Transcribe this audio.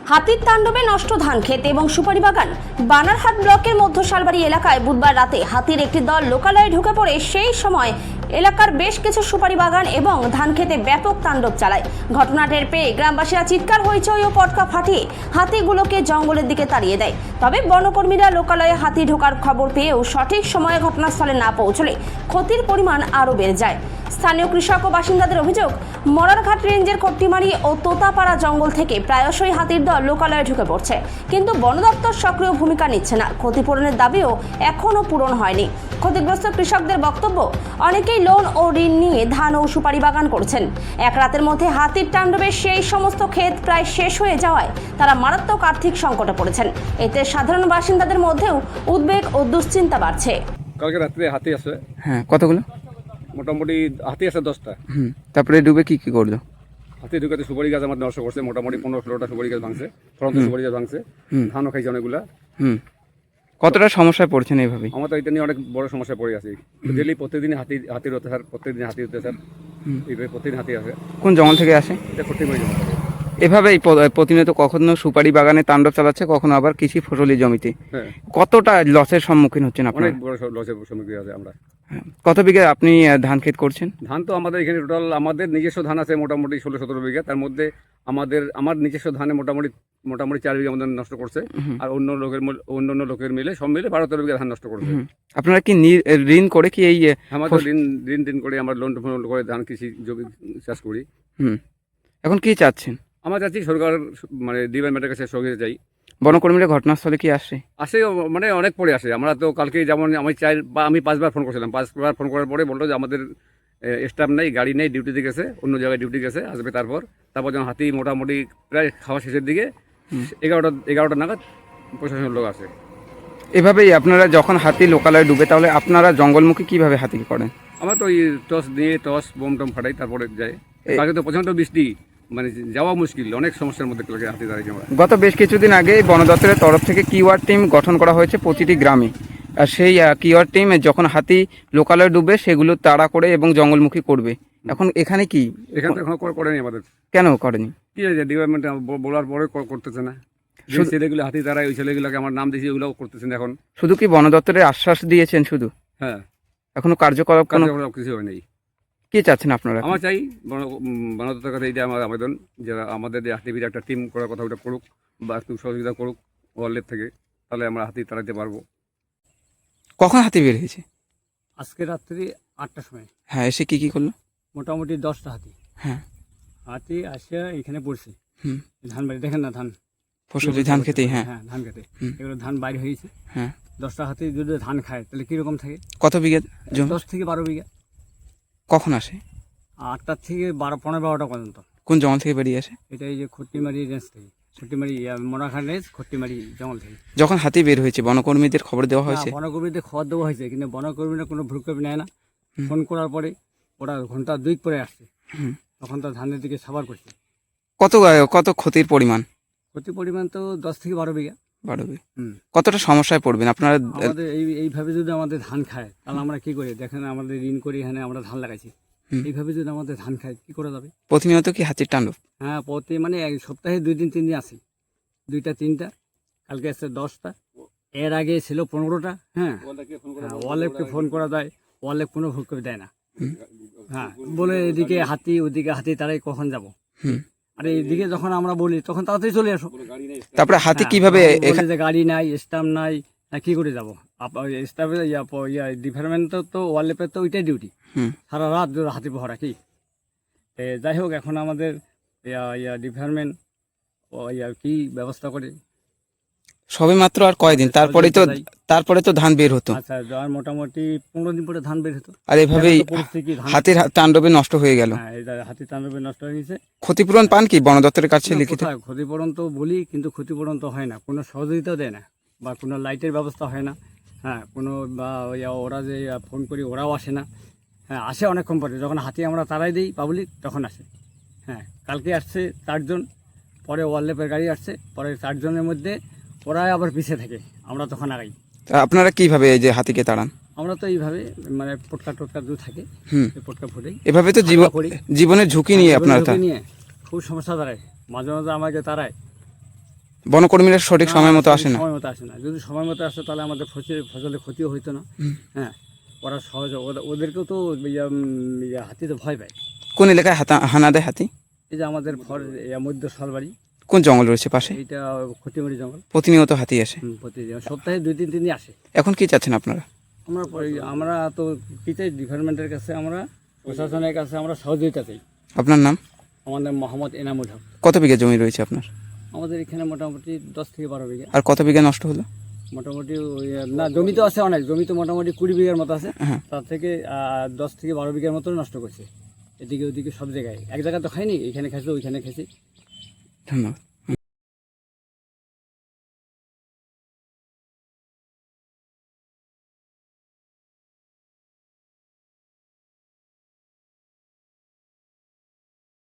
হাতির তাণ্ডবে নষ্ট ধান ক্ষেত এবং সুপারি বাগান। বানারহাট ব্লকের মধ্য শালবাড়ি এলাকায় বুধবার রাতে হাতির একটি দল লোকালয়ে ঢুকে পড়ে সেই সময় এলাকার বেশ কিছু সুপারি বাগান এবং ধান খেতে ব্যাপক তাণ্ডব চালায়। ঘটনা টের পেয়ে গ্রামবাসীরা চিৎকার হইচই ও পটকা ফাটিয়ে হাতিগুলোকে জঙ্গলের দিকে তাড়িয়ে দেয়। তবে বনকর্মীরা লোকালয়ে হাতি ঢোকার খবর পেয়েও সঠিক সময়ে ঘটনাস্থলে না পৌঁছলে ক্ষতির পরিমাণ আরও বেড়ে যায়। স্থানীয় কৃষক ও বাসিন্দাদের অভিযোগ, মরারঘাট রেঞ্জের কট্টিমারি ও তোতাপাড়া জঙ্গল থেকে প্রায়শই হাতির দল লোকালয়ে ঢুকে পড়ছে, কিন্তু বন দপ্তর সক্রিয় ভূমিকা নিচ্ছে না। ক্ষতিপূরণের দাবিও এখনও পূরণ হয়নি। ক্ষতিগ্রস্ত কৃষকদের বক্তব্য, অনেকেই লোন ও ঋণ নিয়ে ধান ও সুপারি বাগান করছেন। এক রাতের মধ্যে হাতির তাণ্ডবে সেই সমস্ত ক্ষেত প্রায় শেষ হয়ে যাওয়ায় তারা মারাত্মক আর্থিক সংকটে পড়েছেন। এতে সাধারণ বাসিন্দাদের মধ্যেও উদ্বেগ ও দুশ্চিন্তা বাড়ছে। কালকে রাত্রে হাতি আছে। হ্যাঁ, কতগুলো? মোটামুটি হাতি আছে 10টা। তারপরে ডুবে কি কি করলো? হাতি ঢুকাতে সুপারি গাছ আমার নষ্ট করছে, মোটামুটি 15-16টা সুপারি গাছ ভাঙছে, ফলন্ত সুপারি গাছ ভাঙছে, ধানও খাইছে অনেকগুলা। কতটা সমস্যায় পড়ছেন এইভাবেই? আমার তো এটা নিয়ে অনেক বড় সমস্যায় পড়ে আছি। ডেলি প্রত্যেকদিন হাতির অত্যাচার, প্রত্যেকদিন হাতি অত্যাচার, এইভাবে প্রতিদিন হাতি আসে। কোন জঙ্গল থেকে আসে? এটা কঠিমারি জঙ্গল। এভাবেই প্রতিনিয়ত কখনো সুপারি বাগানে তাণ্ডব চালাচ্ছে, কখনো আবার কৃষি ফসলি জমিতে। হ্যাঁ, কতটা লসের সম্মুখীন হচ্ছেন আপনারা? অনেক বড় লসের সম্মুখীন আছে আমরা। কত বিঘা আপনি ধান ক্ষেত করছেন? ধান তো আমাদের এখানে টোটাল আমাদের নিজস্ব ধান আছে মোটামুটি 16-17 বিঘা। তার মধ্যে আমার নিজস্ব ধানে মোটামুটি 4 বিঘা আমাদের নষ্ট করছে, আর অন্য লোকের মিলে সব মিলে 12-13 বিঘা ধান নষ্ট করছে। আপনারা কি ঋণ করে কি এই আমাদের ঋণ করে আমরা লোন করে ধান কৃষি জমি চাষ করি। এখন কি চাচ্ছেন? আমরা চাচ্ছি সরকার মানে ডিপার্টমেন্টের কাছে সহযোগিতা চাই। বনকর্মীরা ঘটনাস্থলে কি আসে? মানে অনেক পরে আসে। আমরা তো কালকে যেমন আমি 5বার ফোন করছিলাম। 5বার ফোন করার পরে বললো যে আমাদের স্টাফ নেই, গাড়ি নেই, ডিউটিতে গেছে, অন্য জায়গায় ডিউটি গেছে, আসবে। তারপর যেন হাতি মোটামুটি প্রায় খাওয়া শেষের দিকে 11টা নাগাদ প্রশাসনের লোক আসে। এভাবেই আপনারা যখন হাতি লোকালয়ে ডুবে, তাহলে আপনারা জঙ্গলমুখী কিভাবে হাতি করেন? আমরা তো টস বোম টম ফাটাই, তারপরে যাই। কালকে তো প্রচণ্ড বৃষ্টি, মানে যাওয়া মুশকিল, অনেক সমস্যার মধ্যে হাতি দাঁড়িয়ে আমরা। গত বেশ কিছুদিন আগে বন দপ্তরের তরফ থেকে কিওয়ার টিম গঠন করা হয়েছে প্রতিটি গ্রামে। আর সেই কিওয়ার টিম যখন হাতি লোকালয়ে ডুবে সেগুলো তাড়া করে এবং জঙ্গলমুখী করবে। এখন এখানে কি? এখানে তো এখন করেনি আমাদের। কেন করেনি? কি হয়েছে, ডিপার্টমেন্ট বলার পরে করতেছে না। যে ছেলেগুলো হাতি তারাই, ওই ছেলেগুলোকে আমার নাম দিয়েছি, ওগুলো করতেছেন এখন। শুধু কি বন দপ্তরের আশ্বাস দিয়েছেন শুধু? হ্যাঁ, এখনো কার্যকলাপ কিছু হয় নাই। কি চাচ্ছেন আপনারা? আমার চাই বন দপ্তরের কাছে এইটা আমার আবেদন, যারা আমাদের যে হাতির একটা টিম করার কথা ওটা করুক, বা একটু সহযোগিতা করুক ওয়ার্ল্ডের থেকে, তাহলে আমরা হাতি তাড়াতে পারবো। কখন হাতি বের হয়েছে? আজকে রাত্রি 8টার সময়। হ্যাঁ, এসে কি কি করলো? মোটামুটি 10টা হাতি। হ্যাঁ, হাতি আসে এখানে পড়ছে। ধান বাড়ি দেখেন না, ধান ফসলি ধান খেতে। হ্যাঁ, হ্যাঁ, ধান খেতে এগুলো ধান বাইরে হয়েছে। হ্যাঁ, 10টা হাতি যদি ধান খায় তাহলে কিরকম থাকে? কত বিঘা জমি? 10 থেকে 12 বিঘা। কখন আসে? 8টার থেকে 15-12টা পর্যন্ত। কোন জঙ্গল থেকে বেরিয়ে আসে? এটা এই যে খট্টিমারি রেঞ্জ থেকে, খট্টিমারি মরাখান রেঞ্জ, খট্টিমারি জঙ্গল থেকে। যখন হাতি বের হয়েছে বনকর্মীদের খবর দেওয়া হয়েছে? বনকর্মীদের খবর দেওয়া হয়েছে, কিন্তু বনকর্মীরা কোনো ভ্রুক্ষেপ নেয় না। ফোন করার পরে ওরা ঘন্টা 2 পরে আসছে, তখন তো ধানের দিকে সাবার করছে। কত ক্ষতির পরিমাণ? ক্ষতির পরিমাণ তো 10 থেকে 12 বিঘা। 12 বিঘা। কতটা সমস্যায় পড়বেন আপনারা? আমাদের এইভাবে যদি আমাদের ধান খায় তাহলে আমরা কি করি? দেখেন আমাদের ঋণ করে এখানে আমরা ধান লাগাইছি, এইভাবে যদি আমাদের ধান খায় কি করে যাবে? প্রতিনিয়ত কি হাতির তাণ্ডব? হ্যাঁ, মানে এক সপ্তাহে 2 দিন 3 দিন আসে, 2টা 3টা, কালকে আসছে 10টা, এর আগে ছিল 15টা। হ্যাঁ, ওয়ালেপকে ফোন করা যায়, ওয়ালেপ কোনো ভোগ করে দেয় না। হ্যাঁ, বলে এদিকে হাতি ওদিকে হাতি, তারাই কখন যাব? আর এইদিকে যখন আমরা বলি তখন তাড়াতাড়ি চলে আসো। তারপরে হাতি কিভাবে? যে গাড়ি নাই, স্টাম্প নাই, কি করে যাবো? স্টাফের ডিপার্টমেন্ট তো ওয়ালেপের তো ওইটাই ডিউটি, সারা রাত হাতি পহরা। কি যাই হোক, এখন আমাদের ডিপার্টমেন্ট কি ব্যবস্থা করে সবে মাত্র আর কয়দিন, তারপরে তো ধান বের হতো। আচ্ছা, মোটামুটি 15 দিন পরে ধান বের হতো। আর এভাবেই হাতির তাণ্ডবে নষ্ট হয়ে গেল। হ্যাঁ, হাতির তাণ্ডবে নষ্ট হয়ে গেছে। ক্ষতিপূরণ পান কি বন দপ্তরের কাছে লিখিত? ক্ষতিপূরণ তো বলি, কিন্তু ক্ষতিপূরণ তো হয় না, কোনো সহযোগিতা দেয় না, বা কোনো লাইটের ব্যবস্থা হয় না। হ্যাঁ, কোনো বা ওরা যে ফোন করি ওরাও আসে না। হ্যাঁ, আসে অনেকক্ষণ পরে, যখন হাতি আমরা তাড়াই দিই পাবলিক তখন আসে। হ্যাঁ, কালকে আসছে 4 জন, পরে ওয়ারলেপের গাড়ি আসছে, পরে 4 জনের মধ্যে ওরাই আবার পিছিয়ে থাকে, আমরা তখন আগাই। আপনারা কিভাবে এই যে হাতিকে তাড়ান? আমরা তো এইভাবে মানে পটকা দূর থাকে, পটকা ফুটেই এভাবে তো জীবনের ঝুঁকি নিয়ে আপনারা নিয়ে খুব সমস্যা দাঁড়ায়। মাঝে মাঝে আমাকে তাড়ায়, বনকর্মীরা সঠিক সময় মতো আসে না? সময় মতো আসে না। যদি সময় মতো আসে তাহলে আমাদের ফসলের ক্ষতিও হইতো না। হ্যাঁ, ওরা সহজে ওদেরকেও তো হাতি তো ভয় পায়। কোন এলাকায় হানা দেয় হাতি? এই যে আমাদের মধ্য শালবাড়ি, কোন জঙ্গল রয়েছে পাশে? এইটা ক্ষতিমারি জঙ্গল। প্রতিনিয়ত হাতি আসে? প্রতিদিন সপ্তাহে 2-3 দিনই আসে। এখন কি চাচ্ছেন আপনারা? আমরা তো কি চাই, ডিপার্টমেন্টের কাছে, আমরা প্রশাসনের কাছে আমরা সহযোগিতা চাই। আপনার নাম? আমার নাম মোহাম্মদ এনামুল হক। কত বিঘা জমি রয়েছে আপনার? আমাদের এখানে মোটামুটি 10 থেকে 12 বিঘা। আর কত বিঘা নষ্ট হলো? মোটামুটি না, জমি তো আছে অনেক, জমি তো মোটামুটি 20 বিঘার মতো আছে। হ্যাঁ। তার থেকে 10 থেকে 12 বিঘার মতো নষ্ট করছে। এদিকে ওদিকে সব জায়গায়, এক জায়গায় তো খাইনি, এখানে খাইছে ওইখানে খাইছি। ধন্যবাদ।